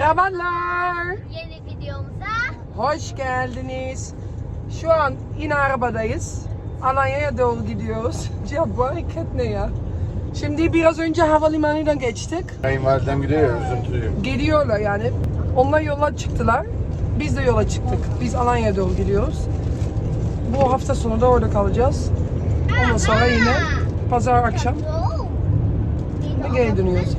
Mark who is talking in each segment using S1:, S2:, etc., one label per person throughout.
S1: Merhabalar.
S2: Yeni videomuza
S1: Hoş geldiniz. Şu an yine arabadayız. Alanya'ya doğru gidiyoruz. Ya bu hareket ne ya? Şimdi biraz önce havalimanından geçtik.
S3: Kayınvalidem gidiyor ya, üzüntülüyüm.
S1: Geliyorlar yani. Onlar yola çıktılar. Biz de yola çıktık. Biz Alanya'ya doğru gidiyoruz. Bu hafta sonu da orada kalacağız. Ondan sonra yine pazar akşam geri dönüyoruz.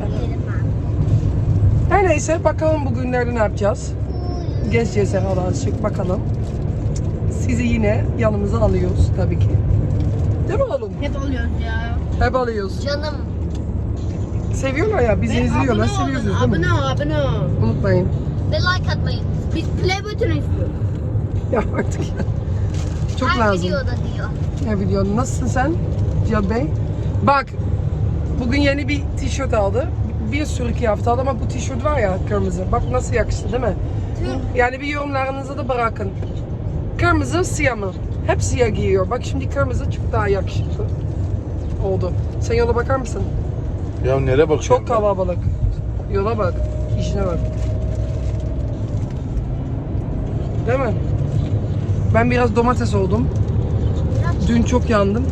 S1: Her neyse bakalım bugünlerde ne yapacağız. Gezeceğiz herhalde azıcık bakalım. Sizi yine yanımıza alıyoruz tabii ki. Değil mi oğlum?
S2: hep oluyoruz ya.
S1: Hep alıyoruz.
S2: Canım.
S1: Seviyorlar ya, bizi izliyorlar, seviyoruz değil mi?
S2: Abone ol.
S1: Unutmayın.
S2: Ve like atmayı. Biz play button istiyoruz.
S1: Ya artık ya. Çok
S2: Her
S1: lazım.
S2: videoda diyor.
S1: Her video. Nasılsın sen Cihat Bey? Bak, bugün yeni bir tişört aldı. Bir sürü kıyafet aldı ama bu tişört var ya kırmızı. Bak nasıl yakıştı değil mi? Yani bir yorumlarınızı da bırakın. Kırmızı, siyah mı? Hep siyah giyiyor. Bak şimdi kırmızı çok daha yakışıklı oldu. Sen yola bakar mısın?
S3: Ya nereye bakıyorsun?
S1: Çok kalabalık. Yola bak. İşine bak. Değil mi? Ben biraz domates oldum. Dün çok yandım.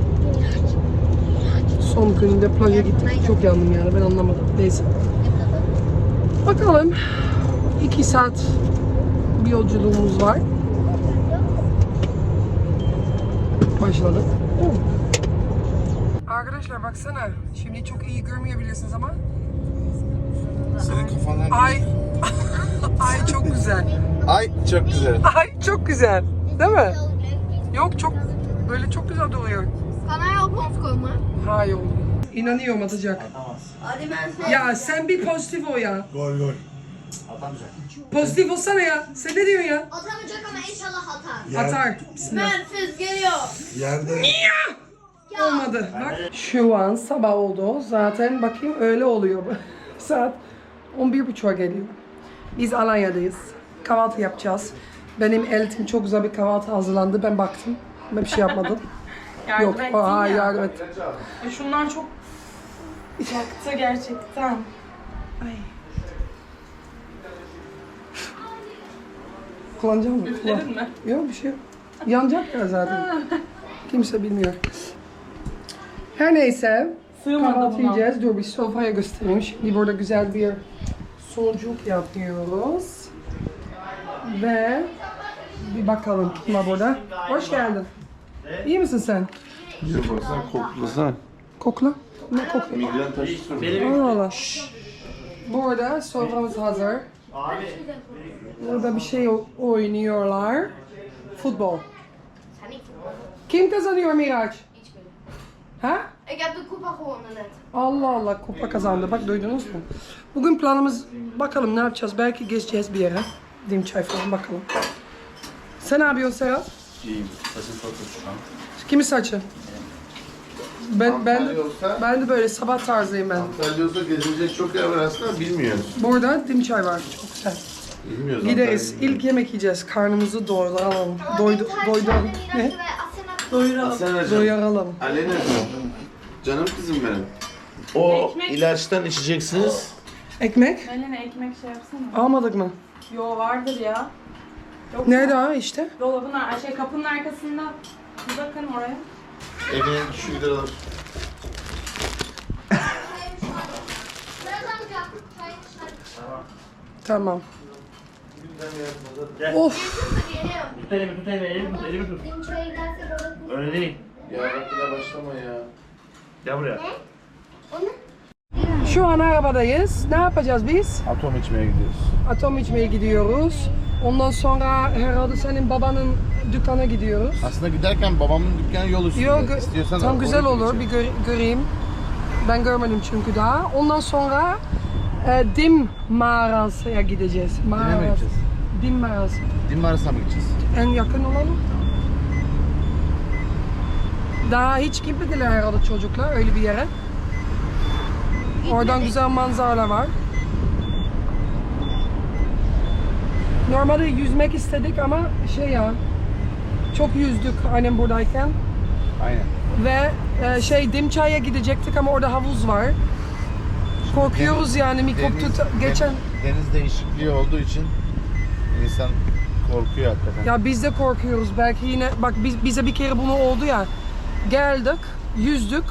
S1: Son günde plaja gittik. Çok yandım yani. Ben anlamadım. Neyse. Bakalım. 2 saat bir yolculuğumuz var. Başladık. Arkadaşlar baksana. Şimdi çok iyi görmeyebilirsiniz ama.
S3: Senin kafandan...
S1: Ay. Ay çok güzel.
S3: Ay çok güzel.
S1: Ay çok güzel. Değil mi? Yok çok böyle çok güzel duruyor.
S2: Kanaya opons koyma.
S1: Hayır oğlum. İnanıyorum atacak.
S2: Hadi ben sen.
S1: Ya sen bir pozitif ol ya.
S3: Gol gol.
S1: Pozitif olsana ya. Sen ne diyorsun ya?
S2: Atamayacak ama inşallah atar.
S1: Atar. Bismillah.
S2: Mert'siz geliyor.
S3: Yerde.
S1: Olmadı. Bak. Şu an sabah oldu. Zaten bakayım öyle oluyor. Saat 11.30'a geliyor. Biz Alanya'dayız. Kahvaltı yapacağız. Benim eltim çok güzel bir kahvaltı hazırlandı. Ben baktım. Ben bir şey yapmadım. Yok. Hayır yardım et.
S4: Şundan çok yaktı gerçekten.
S1: Ay. Kullanacak mısın?
S4: Üfledin mi?
S1: Yok bir şey yok. Yanacak ya zaten. Kimse bilmiyor. Her neyse.
S4: Sığmadı
S1: Kahvaltı
S4: buna.
S1: yiyeceğiz. Dur bir sofraya göstereyim. Şimdi burada güzel bir sucuk yapıyoruz. Ve bir bakalım kim var burada. Hoş geldin. İyi misin sen?
S3: Bir baksana koklasana.
S1: Kokla. Ne kokla?
S3: Migren taşı
S1: Allah Allah. Burada soframız hazır. Burada bir şey oynuyorlar. Futbol. Kim kazanıyor Miraç? Ha?
S2: Ik heb de kupa gewonnen net.
S1: Allah Allah kupa kazandı. Bak duydunuz mu? Bugün planımız bakalım ne yapacağız. Belki gezeceğiz bir yere. Dim çay falan bakalım. Sen ne yapıyorsun Serhat?
S3: İyiyim. Saçın çok şu an.
S1: Kimin saçı? Ben de böyle sabah tarzıyım ben.
S3: Antalya olsa gezilecek çok yer var aslında, bilmiyoruz.
S1: Burada dim çay var. Çok güzel.
S3: Bilmiyoruz.
S1: Gideriz.
S3: Antalya'yı.
S1: İlk yemek yiyeceğiz. Karnımızı doyuralım. Doyduralım. Ne?
S3: Asena
S1: Doyuralım.
S3: Alena canım kızım benim. O
S4: Ekmek.
S3: ilaçtan içeceksiniz.
S1: Ekmek?
S4: Melene ekmek şey yapsana.
S1: Almadık mı?
S4: Yo vardır ya. Yok
S1: Nerede ha işte?
S4: Dolabın kapının arkasında. Bir bakın oraya.
S3: Evine şu gider alır.
S1: Tamam. Of.
S5: Tut elimi tut. Öyle değil.
S3: Ya bak yine başlama ya.
S5: Gel buraya.
S1: Şu an arabadayız. Ne yapacağız biz?
S3: Atom içmeye gidiyoruz.
S1: Atom içmeye gidiyoruz. Ondan sonra herhalde senin babanın dükkana gidiyoruz.
S3: Aslında giderken babamın dükkanı yol üstünde.
S1: Yok,
S3: İstiyorsan
S1: tam
S3: oraya
S1: güzel olur.
S3: gideceğim.
S1: Bir göreyim. Ben görmedim çünkü daha. Ondan sonra Dim mağarasıya gideceğiz.
S3: Dime mi gideceğiz?
S1: Dim mağarası.
S3: Dim arasına mı gideceğiz?
S1: En yakın olan o. Daha hiç gitmediler herhalde çocuklar öyle bir yere. Oradan güzel manzaralar var. Normalde yüzmek istedik ama şey ya, çok yüzdük annem buradayken.
S3: Aynen.
S1: Ve Dimçay'a gidecektik ama orada havuz var. Korkuyoruz yani mikrop geçen.
S6: Deniz değişikliği olduğu için insan korkuyor hakikaten.
S1: Ya biz de korkuyoruz. Belki yine bak bize bir kere bunu oldu ya. Geldik, yüzdük.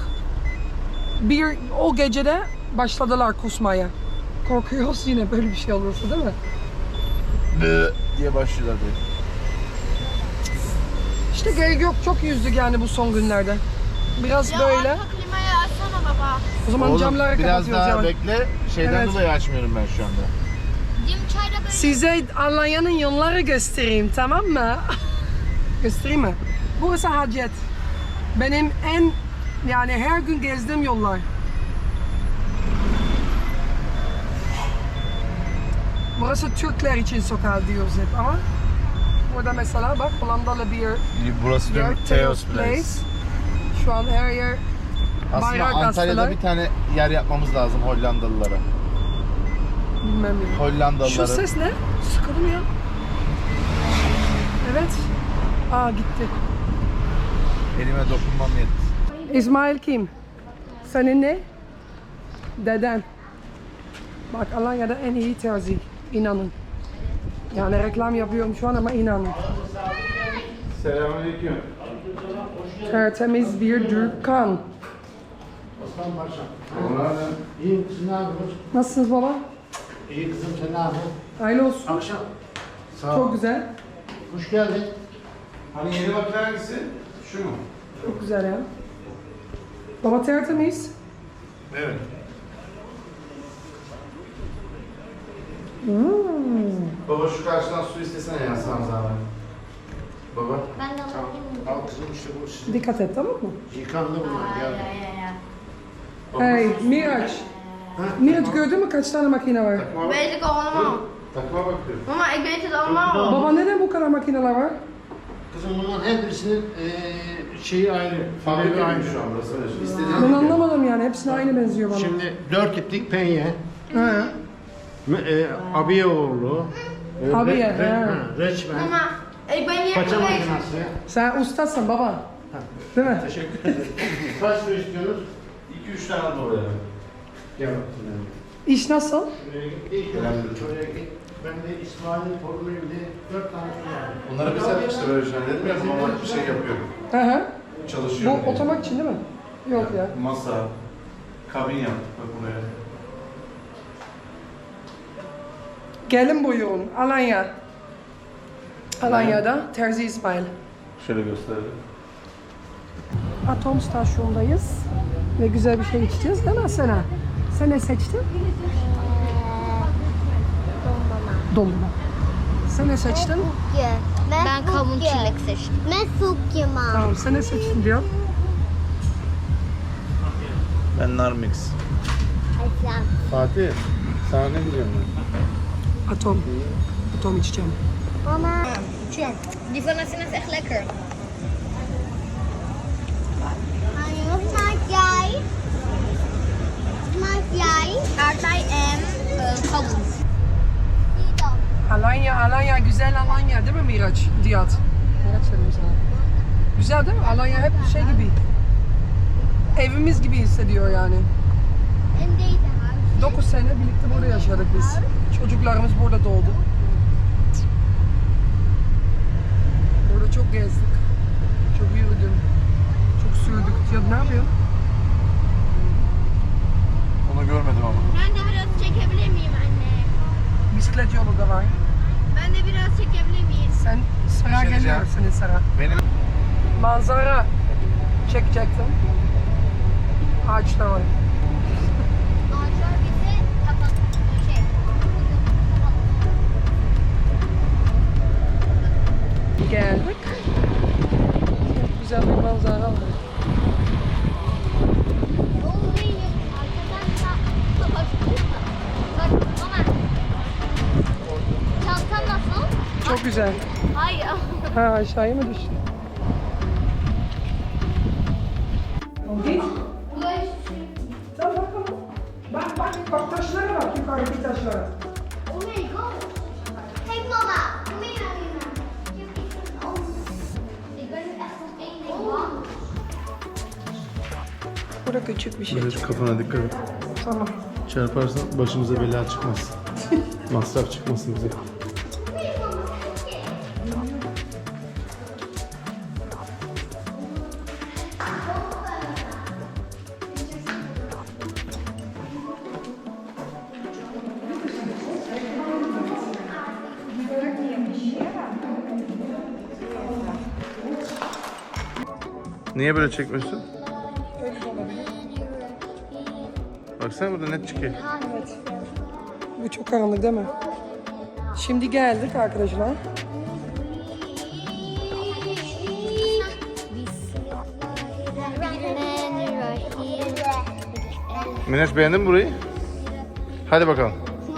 S1: O gecede başladılar kusmaya. Korkuyoruz yine böyle bir şey olursa değil mi?
S6: Diye başlıyorlar böyle.
S1: İşte gerek yok, çok yüzdük yani bu son günlerde. Biraz böyle.
S2: Arka klimayı açsana baba.
S1: O zaman
S6: Oğlum
S1: camları
S6: biraz
S1: kapatıyoruz
S6: daha
S1: yani.
S6: bekle. Şeyden
S1: Evet.
S6: dolayı açmıyorum ben şu anda.
S2: Dim çayda böyle.
S1: Size Alanya'nın yolları göstereyim, tamam mı? Göstereyim mi? Burası Hacet. Benim yani her gün gezdiğim yollar. Burası Türkler için sokağı diyoruz hep ama burada mesela bak Hollandalı bir
S6: Burası
S1: yer,
S6: dön Theos Place.
S1: Şu an her yer
S6: Aslında
S1: bayrak
S6: Antalya'da
S1: astılar.
S6: bir tane yer yapmamız lazım Hollandalılara.
S1: Bilmem ya.
S6: Hollandalılara.
S1: Şu ses ne? Sıkıldım ya. Evet. Aa gitti.
S6: Elime dokunmam yetti.
S1: İsmail kim? Senin ne? Deden. Bak Alanya'da en iyi terzi. İnanın. Yani reklam yapıyorum şu an ama inanın.
S6: Selamünaleyküm.
S1: Tertemiz bir dükkan.
S7: İyi kızım, ne yapıyorsun?
S1: Nasılsınız baba?
S7: İyi kızım, sen ne yapıyorsun?
S1: Hayırlı olsun.
S7: Akşam. Sağ ol.
S1: Çok güzel.
S7: Hoş geldin.
S6: Hani yeni makine hangisi? Şu mu?
S1: Çok güzel ya. Baba tertemiz.
S6: Evet. Baba şu karşıdan su istesene ya sana zahmet. Baba.
S2: Ben de
S7: Tamam. Al kızım işte bu sizin.
S1: Dikkat et tamam mı?
S7: Yıkandı bunlar, gel.
S1: Hey Miraç. Miraç gördün mü kaç tane makine var?
S2: Weet ik allemaal.
S6: Takma bakıyorum.
S2: Mama, ik weet het allemaal.
S1: Baba neden bu kadar makineler var?
S7: Kızım bunların her birisinin şeyi ayrı. Fabrika aynı.
S6: şu anda sana. İstediğin
S1: Ben anlamadım yani hepsine aynı benziyor bana.
S7: Şimdi 4 iplik penye.
S1: He.
S7: Abiyeoğlu.
S1: Abiye, he.
S7: Reçmen.
S2: Mama, ik ben hier
S7: Paça
S2: geweest.
S7: makinesi.
S1: Sen ustasın baba. Değil mi?
S7: Teşekkür ederim. Kaç su istiyorsunuz?
S6: 2-3 tane de oraya.
S7: Gel bakalım.
S1: İş nasıl?
S7: Şuraya git. Şuraya git. Ben de İsmail'in torunuyum diye 4 tane su var.
S6: Bunları biz hep işte böyle şeyler dedim ya normal bir şey yapıyorum.
S1: Hı hı.
S6: Çalışıyorum.
S1: Bu otomak için değil mi? Yok ya.
S6: Masa, kabin yaptık bak buraya.
S1: Gelin buyurun Alanya. Alanya'da Terzi İsmail.
S6: Şöyle gösterelim.
S1: Atom stasyondayız. Ve güzel bir şey içeceğiz değil mi Sena? Sen ne seçtin? Dondurma. Sen ne seçtin?
S2: Ben kavun çilek seçtim. Ben sukima.
S1: Tamam sen ne seçtin diyor.
S6: Ben Narmix. Fatih, sana ne diyeceğim ben?
S1: Atom. Atom içeceğim.
S2: Mama. Die van Asina is echt lekker. Wat maak jij? Wat maak jij? Aardbei en kavun.
S1: Alanya, güzel Alanya değil mi Miraç? Diyat. Miraç dedim sana. Güzel değil mi? Alanya hep şey gibi. Evimiz gibi hissediyor yani.
S2: En deze huis.
S1: 9 sene birlikte burada yaşadık biz. Çocuklarımız burada doğdu. Burada çok gezdik. Çok yürüdüm. Çok sürdük. Ya ne yapıyorsun?
S6: Onu görmedim ama.
S2: Ben de biraz çekebilir miyim anne?
S1: Bisiklet yolu da var.
S2: Ben de biraz çekebilir miyim?
S1: Sen sıra
S6: Şey
S1: geliyor
S6: diyeceğim.
S1: senin sıra.
S6: Benim
S1: Manzara çekecektim. Ağaçlar var.
S2: Ağaçlar bizi kapat.
S1: Geldik. Çok güzel bir manzara var.
S2: Bak mama. Çantan nasıl?
S1: Çok güzel.
S2: Hayır.
S1: Ha aşağıya mı düştü? Git. Sen bakalım. Bak taşlara bak yukarıdaki taşlara.
S2: Oh my god. Hey mama. Kom hier naar binnen. Ik ben nu echt op één ding bang.
S1: Burada küçük bir şey.
S6: kafana dikkat et.
S1: Tamam.
S6: Çarparsan başımıza bela çıkmaz. Masraf çıkmasın bize. Niye böyle çekmiyorsun? Baksana burada net çıkıyor.
S1: Bu çok karanlık değil mi? Şimdi geldik arkadaşlar.
S6: Miraç beğendin mi burayı? Hadi bakalım.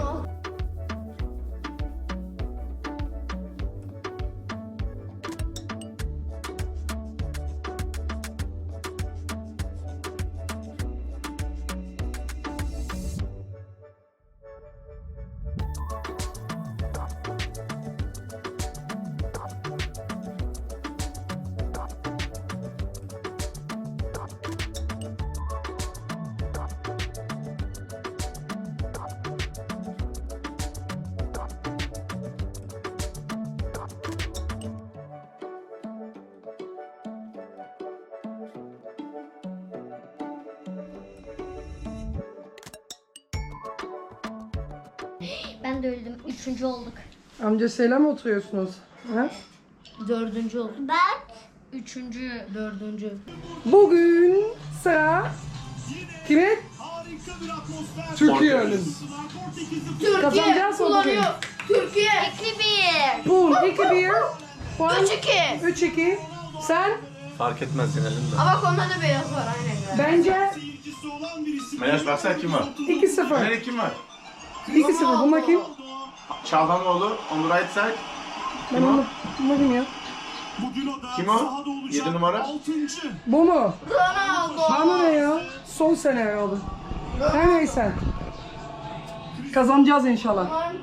S2: Ben de öldüm. 3. olduk.
S1: Amcasıyla mı oturuyorsunuz? Ha?
S2: 4. olduk. Ben 3. 4.
S1: Bugün sıra kimin? Türkiye'nin. Kazanacağız mı bugün?
S2: Türkiye. 2-1.
S1: Bum, 2-1. Puan
S2: 3-2.
S1: 3-2. Sen?
S3: Fark etmez yenelim de.
S2: Ama konuda da beyaz var aynen.
S1: Bence
S6: Miraç baksana kim var?
S1: 2-0.
S6: Nerede kim var?
S1: 2-0. Bunlar kim?
S6: Çaldanoğlu, on the right side.
S1: Ben onu bakayım ya.
S6: Kim o? 7 numara.
S1: Bu mu?
S2: Ronaldo.
S1: Bana ne ya? Son sene herhalde. Her neyse. Kazanacağız inşallah.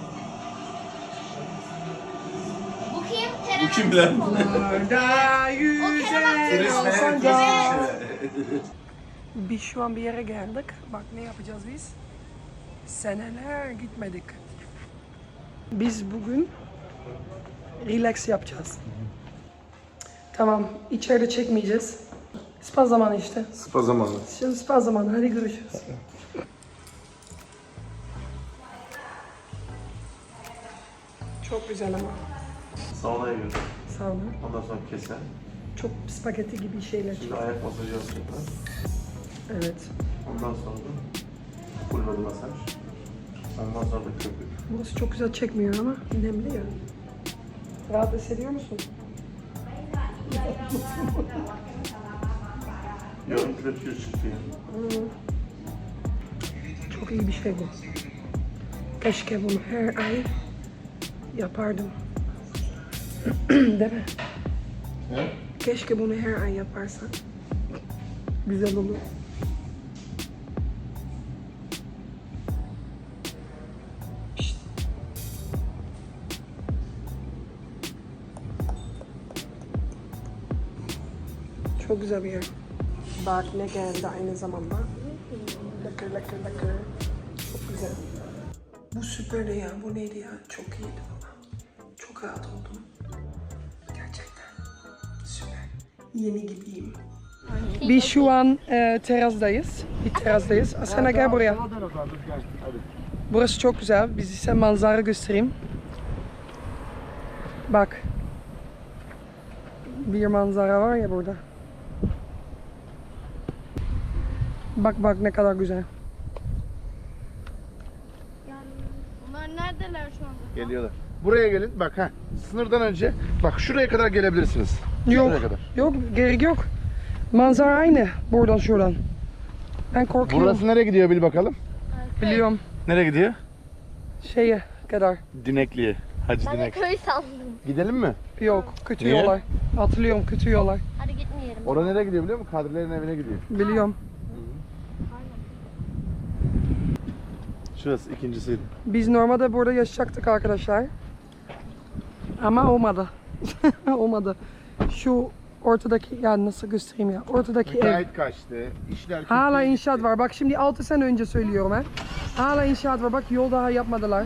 S2: Bu kim?
S3: Bu kim lan?
S1: Orada yüzen alsancak. Biz şu an bir yere geldik. Bak ne yapacağız biz? Seneler gitmedik. Biz bugün relax yapacağız. Tamam, içeride çekmeyeceğiz. Spa zamanı işte.
S6: Spa zamanı.
S1: Şimdi spa zamanı. Hadi görüşürüz. Çok güzel ama.
S3: Saunaya girdim.
S1: Sağ olun.
S3: Ondan sonra keser.
S1: Çok spagetti gibi şeyler
S3: Şimdi
S1: çıktı.
S3: ayak masajı yapacaklar.
S1: Evet.
S3: Ondan sonra da full body masaj. Ondan sonra da köpük.
S1: Burası çok güzel çekmiyor ama nemli ya. Rahat hissediyor musun?
S3: Yarım kilo tüy çıktı ya.
S1: Çok iyi bir şey bu. Keşke bunu her ay yapardım. Değil mi?
S3: He?
S1: Keşke bunu her ay yaparsan. Güzel olur. Şşt. Çok güzel bir yer. Bak ne geldi aynı zamanda. Lakır lakır lakır. Çok güzel. Bu süperdi ya. Bu neydi ya? Çok iyiydi valla. Çok rahat oldum. Gerçekten. Süper. Yeni gibiyim. Biz şu an terastayız. Bir terastayız. Asena gel buraya. Burası çok güzel. Biz size manzara göstereyim. Bak. Bir manzara var ya burada. Bak bak ne kadar güzel.
S2: Bunlar neredeler şu anda?
S6: Geliyorlar. Buraya gelin. Bak ha. Sınırdan önce. Bak şuraya kadar gelebilirsiniz.
S1: Yok.
S6: Şuraya kadar.
S1: Yok gerek yok. Manzara aynı. Buradan şuradan. Ben korkuyorum.
S6: Burası nereye gidiyor bil bakalım.
S1: Biliyorum.
S6: Nereye gidiyor?
S1: Şeye kadar.
S6: Dinekli'ye. Hacı
S2: Ben de
S6: Dinek.
S2: köy sandım.
S6: Gidelim mi?
S1: Yok. Kötü
S6: Niye?
S1: yollar. Hatırlıyorum kötü yollar.
S2: Hadi gitmeyelim.
S6: Oraya nereye gidiyor biliyor musun? Kadrilerin evine gidiyor.
S1: Biliyorum.
S6: Şurası ikincisiydi.
S1: Biz normalde burada yaşayacaktık arkadaşlar. Ama olmadı. Olmadı. Şu ortadaki, ya nasıl göstereyim ya, ortadaki ev.
S7: Müteahhit kaçtı. İşler
S1: Hala
S7: kötüye
S1: inşaat
S7: gitti.
S1: var. Bak şimdi 6 sene önce söylüyorum ha. Hala inşaat var. Bak yol daha yapmadılar.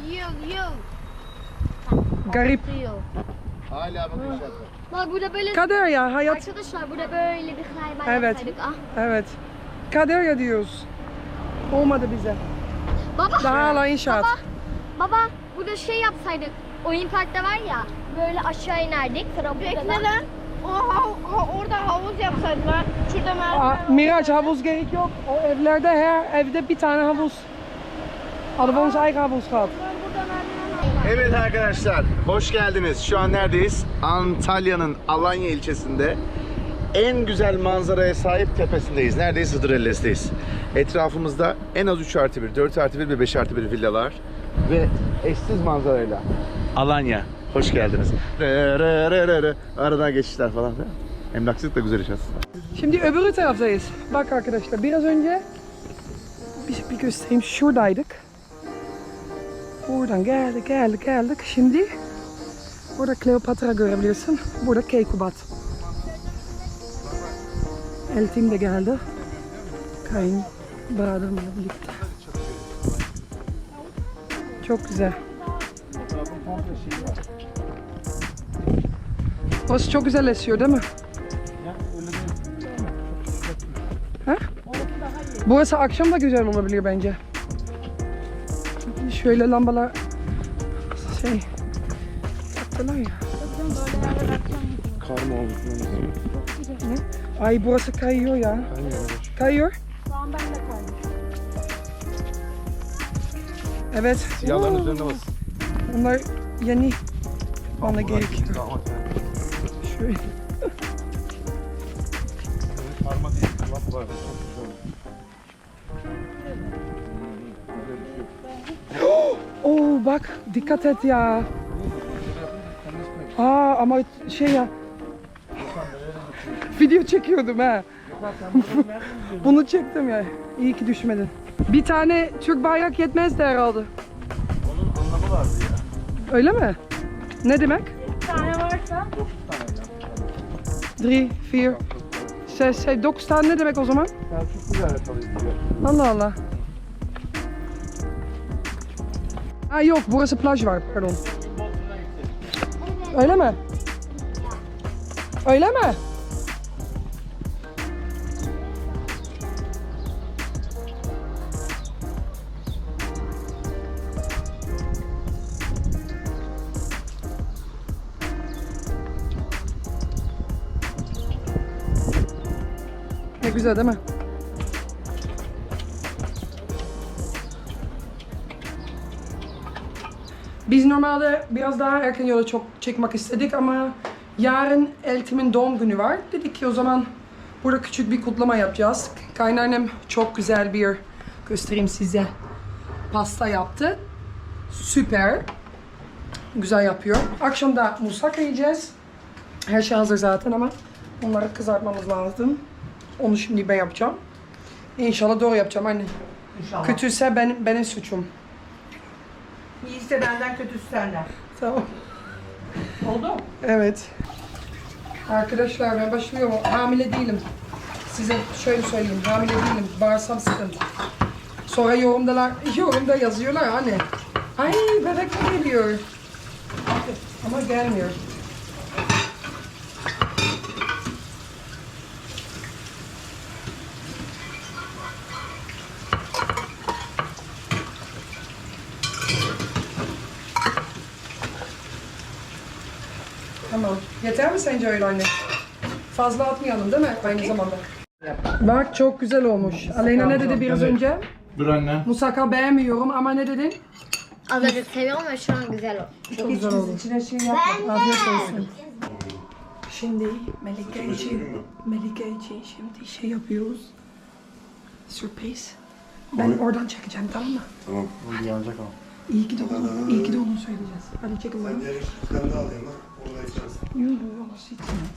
S1: Garip.
S7: Hala bak inşaat var.
S2: Bak burada böyle
S1: Kader ya hayat.
S2: arkadaşlar burada böyle bir hayvan
S1: Evet.
S2: yapsaydık. Ah.
S1: Evet. Kader ya diyoruz. Olmadı bize.
S2: Baba.
S1: Daha hala inşaat.
S2: Baba burada şey yapsaydık. Oyun parkta var ya. Böyle aşağı inerdik. Trambolden.
S4: Orada havuz yapsaydılar. Şurada
S1: Aa, Miraç havuz gerek yok. O evlerde her evde bir tane havuz. Hadden ons eigen havuz gehad.
S6: Evet arkadaşlar, hoş geldiniz. Şu an neredeyiz? Antalya'nın Alanya ilçesinde en güzel manzaraya sahip tepesindeyiz. Neredeyiz? Hıdrellez'deyiz. Etrafımızda en az 3+1, 4+1 ve 5+1 villalar ve eşsiz manzarayla Alanya. Hoş geldiniz. Aradan geçişler falan. Emlakçılık da güzel iş aslında.
S1: Şimdi öbür taraftayız. Bak arkadaşlar biraz önce bir göstereyim, şuradaydık. Buradan geldik. Şimdi burada Kleopatra görebilirsin. Burada Keykubat. Eltim de geldi. Kayınbiraderimle birlikte. Çok güzel. Burası çok güzel esiyor değil mi? Ha? Burası akşam da güzel olabilir bence. Şöyle lambalar yaptılar ya.
S3: Kar mı olmuş?
S1: Ne? Ay burası kayıyor ya. Kayıyor. Evet.
S3: Siyahların üzerine bas.
S1: Bunlar yeni bana gerekiyor. Şöyle.
S3: Karma değil, laf var. Çok güzel.
S1: Oo bak dikkat et ya. Aa ama şey ya. Video çekiyordum ha. Bunu çektim ya. İyi ki düşmedin. Bir tane Türk bayrak yetmezdi herhalde.
S3: Onun anlamı vardı ya.
S1: Öyle mi? Ne demek?
S4: bir tane varsa
S1: 3, 4, 6, 9 tane ne demek o zaman?
S3: Selçuklu alakalıydı.
S1: Allah Allah. Ha yok burası plaj var pardon. Öyle mi? Öyle mi? Ne güzel değil mi? Biz normalde biraz daha erken yola çok çekmek istedik ama yarın Eltim'in doğum günü var. Dedik ki o zaman burada küçük bir kutlama yapacağız. Kaynannem çok güzel bir, göstereyim size, pasta yaptı. Süper. Güzel yapıyor. Akşam da musaka yiyeceğiz. Her şey hazır zaten ama onları kızartmamız lazım. Onu şimdi ben yapacağım. İnşallah doğru yapacağım anne.
S8: İnşallah.
S1: Kötüyse benim suçum.
S8: İyiyse benden, kötüsü senden.
S1: Tamam.
S8: Oldu mu?
S1: Evet. Arkadaşlar ben başlıyorum. Hamile değilim. Size şöyle söyleyeyim. Hamile değilim. Bağırsam sıkıntı. Sonra yorumda yazıyorlar hani. Ay bebek mi geliyor? Ama gelmiyor. Tamam. Yeter mi sence öyle anne? Fazla atmayalım değil mi aynı zamanda? Bak çok güzel olmuş. Aleyna ne dedi biraz önce?
S3: Dur anne.
S1: Musaka beğenmiyorum ama ne dedin?
S2: Az önce seviyorum ama şu an güzel o.
S1: Çok güzel oldu.
S8: İçine şey yapma.
S1: Afiyet olsun. Şimdi Melike için şimdi şey yapıyoruz. Sürpriz. Ben oradan çekeceğim tamam mı?
S3: Tamam. Bu yanacak ama.
S1: İyi ki de onu söyleyeceğiz. Hadi çekin bana.
S3: Diğer işlerden de alayım lan. Orada içeriz.
S1: Yok hiç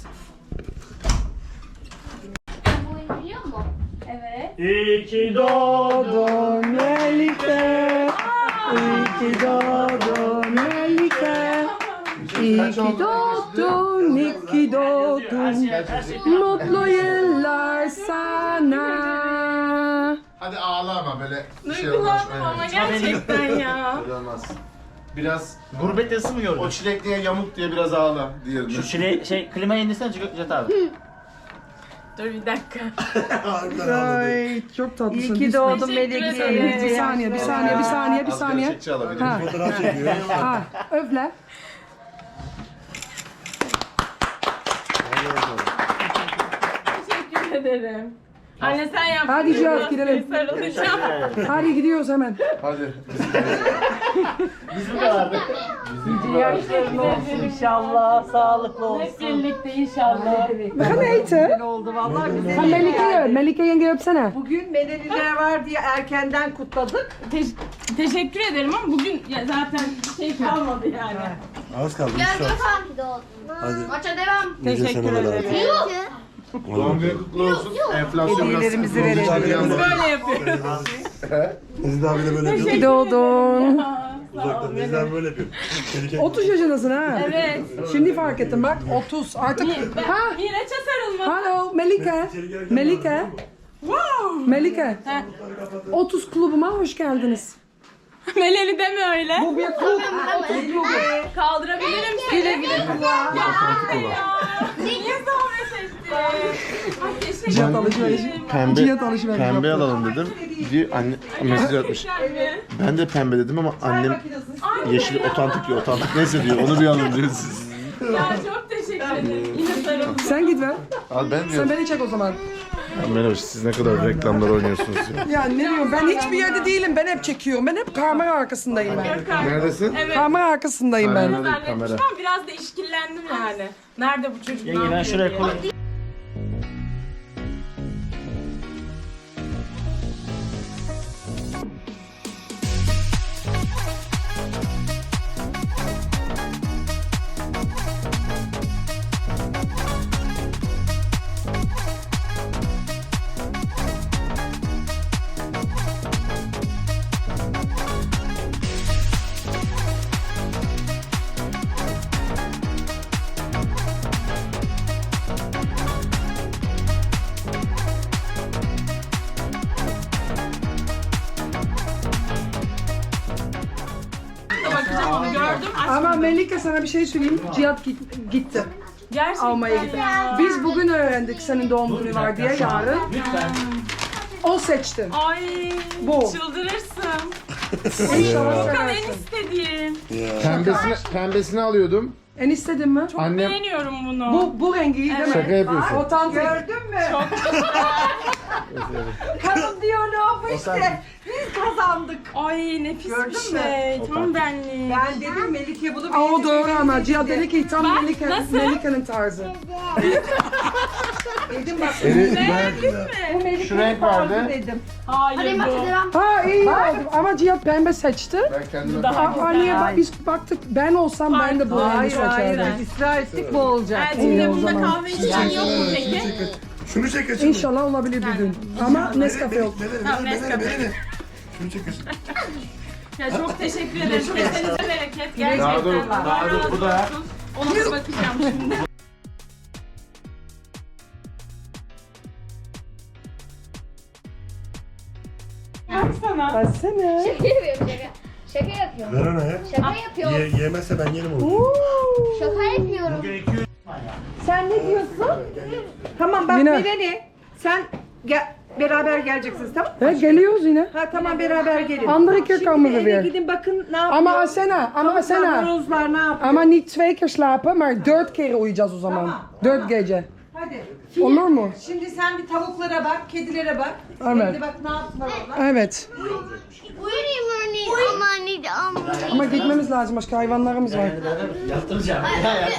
S2: Bu oyunu biliyor musun?
S4: evet.
S5: İyi ki doğdun.
S1: Doğdun Melike. İyi ki doğdun Melike. İyi ki doğdun. doğdun, iyi ki doğdun. Mutlu yıllar sana.
S6: Hadi ağla ama böyle bir şey olmaz.
S4: Duygulandım ama gerçekten ya.
S6: Öyle olmaz. Biraz
S5: Gurbet yazısı mı gördün?
S6: o çilekliye yamuk diye biraz ağla diyelim.
S5: Şu klimayı indirsene Cihat abi.
S4: Dur bir dakika.
S1: Ay çok tatlısın.
S8: İyi ki doğdun
S4: Teşekkür
S8: Melike.
S4: ederim.
S1: Bir saniye, bir saniye, bir saniye, bir
S6: Az
S1: saniye.
S6: gerçekçi alabilir
S1: Ha,
S6: miyim?
S7: Fotoğraf çekiyor.
S1: ha, öfle.
S4: Teşekkür ederim. Anne sen yaptın.
S1: Hadi Cihat, gidelim.
S4: Sarılacağım.
S1: Hadi gidiyoruz hemen.
S6: Hadi.
S5: Bizim kadardı.
S8: Yaşların olsun inşallah. Sağlıklı
S4: Hep
S8: olsun.
S4: birlikte inşallah.
S1: We gaan eten.
S8: Oldu vallahi güzel.
S1: Ha Melike, Melike yenge öpsene.
S8: Bugün Medeniler var diye erkenden kutladık.
S4: Teşekkür ederim ama bugün ya zaten şey kalmadı yani.
S7: Az kaldı.
S2: Gel
S7: 3 saat.
S2: bakalım ki doğdun.
S7: Hadi.
S2: Maça devam.
S7: Nice seneler hayatım.
S6: Doğum günü kutlu olsun. Enflasyon biraz
S8: Hediyelerimizi
S6: sıkıntı olacak
S8: verelim.
S6: yani.
S4: Böyle yapıyoruz.
S7: Nezih abi de böyle
S1: İyi
S7: yapıyor.
S1: ki doğdun.
S7: Uzaktan Nezih abi böyle yapıyor. Melike.
S1: 30 yaşındasın ha.
S4: Evet.
S1: Şimdi fark ettim bak 30 artık. Ha,
S4: Miraç'a sarılma.
S1: hello Melike. Melike. Melike. 30 klubuma hoş geldiniz.
S4: Meleli deme öyle.
S1: Bu bir klub.
S4: Kaldırabilirim seni. Güle güle kullan. Niye zahmet ettin? Ay teşekkür
S1: Cihat alışveriş.
S6: Pembe,
S1: Cihat alışveriş.
S6: pembe alalım dedim. Diye anne mesaj atmış.
S4: ederim.
S6: Ben de pembe dedim ama annem yeşil otantik diyor. Otantik neyse diyor. Onu bir alın diyor siz.
S4: Ya çok teşekkür ederim. Yine sarıldım.
S1: Sen git ver.
S6: Abi ben
S1: Sen
S6: diyorum.
S1: beni çek o zaman.
S6: Merhaba siz ne kadar reklamlar oynuyorsunuz ya.
S1: Ya ne diyorum ben hiçbir yerde değilim. Ben hep çekiyorum. Ben hep kamera arkasındayım ben.
S6: Neredesin?
S4: Evet.
S1: Kamera arkasındayım ben.
S6: Kamera.
S4: Zannetmiştim ama biraz da işkillendim yani. Nerede bu çocuk?
S5: Yenge
S4: ne
S5: ben
S4: yapıyor
S5: şuraya
S4: diye.
S5: koyayım.
S4: Bakacağım onu gördüm.
S1: Ama Melike sana bir şey söyleyeyim. Cihat gitti.
S4: Gerçekten
S1: Almaya gitti.
S4: ya.
S1: Biz bugün öğrendik senin doğum günü var diye yarın.
S5: Lütfen.
S1: O seçti.
S4: Ay
S1: Bu.
S4: çıldırırsın.
S1: İnşallah
S4: Furkan en
S1: seversin.
S4: istediğim.
S6: Pembesini alıyordum.
S1: En istedin mi?
S6: Annem
S4: Beğeniyorum bunu.
S1: Bu rengi değil mi?
S6: şaka yapıyorsun.
S1: Otantik.
S8: Gördün mü? Kadın diyor ne yapmış işte. Biz kazandık.
S4: Ay nefis
S8: Gördün
S4: bir
S8: mü?
S4: şey. Tam benlik.
S8: Ben dedim Melike bunu
S1: Aa, o
S8: beğenecek,
S1: doğru ama
S8: beğenecek
S1: Cihat
S8: dedi.
S1: dedi ki tam
S4: Bak,
S1: Melike,
S4: nasıl?
S1: Melike'nin tarzı.
S8: Dedim bak.
S6: Şu renk vardı.
S8: Dedim.
S4: Hayır
S2: Hadi maça
S4: bu.
S2: devam.
S1: Ha iyi oldu ama Cihat pembe seçti.
S6: Ben kendime
S4: Daha
S1: Aa, anneye bak, biz baktık ben olsam ben de bu rengi
S8: Hayır hayır.
S1: seçerdim.
S8: İsrar ettik bu olacak.
S4: Elçin'de
S1: o
S4: bunda
S1: zaman.
S4: kahve içen yok mu peki?
S7: Şunu çek kaçın.
S1: İnşallah olabilir bir gün. Ama Nescafe yok.
S7: Şunu çek kaçın.
S4: Ya çok teşekkür ederim. Kesenize bereket. Gerçekten.
S6: Daha dur,
S4: Allah
S6: daha dur,
S4: razı
S6: bu da.
S4: olsun. Ona da bakacağım şimdi. Baksana.
S1: Versene.
S2: Şaka yapıyorum şaka. Şaka yapıyorum.
S7: Ver ona ya.
S2: Şaka yapıyorum.
S7: Yemezse ben yerim onu.
S2: Şaka yapıyorum.
S5: Bugün 200
S8: Sen ne diyorsun? Tamam bak
S1: Yine.
S8: Meleni. Sen beraber geleceksiniz tamam mı?
S1: He, geliyoruz yine.
S8: Ha tamam beraber gelin.
S1: Andere keer
S8: Şimdi
S1: komen we
S8: eve
S1: weer.
S8: gidin bakın ne yapıyor.
S1: Ama Asena.
S8: Horozlar ne yapıyor?
S1: Ama niet 2 keer slapen, maar 4 keer uyuyacağız o zaman. 4 gece.
S8: Hadi.
S1: Olur mu?
S8: Şimdi sen bir tavuklara bak, kedilere bak.
S1: Evet.
S8: Şimdi bak ne yaptılar onlar.
S1: Evet.
S2: Uyuyayım örneğin. Ama anneydi ama.
S1: Ama gitmemiz lazım, başka hayvanlarımız var.
S5: yaptıracağım. Ya ya.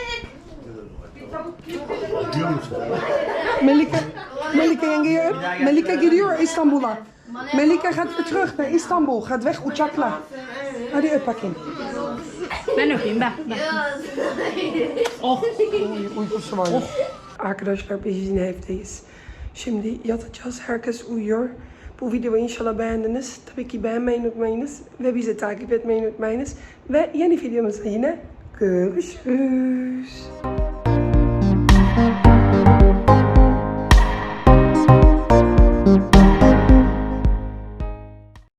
S1: Melike yengeye öp. Melike gidiyor İstanbul'a. Melike gaat weer terug naar Istanbul. Gaat weg uçakla. Hadi öp bakayım.
S4: Ben öpeyim ben.
S1: Uykusu var. Arkadaşlar biz yine evdeyiz. Şimdi yatacağız. Herkes uyuyor. Bu videoyu inşallah beğendiniz. Tabii ki beğenmeyi unutmayınız. Ve bizi takip etmeyi unutmayınız. Ve yeni videomuzda yine Görüşürüz.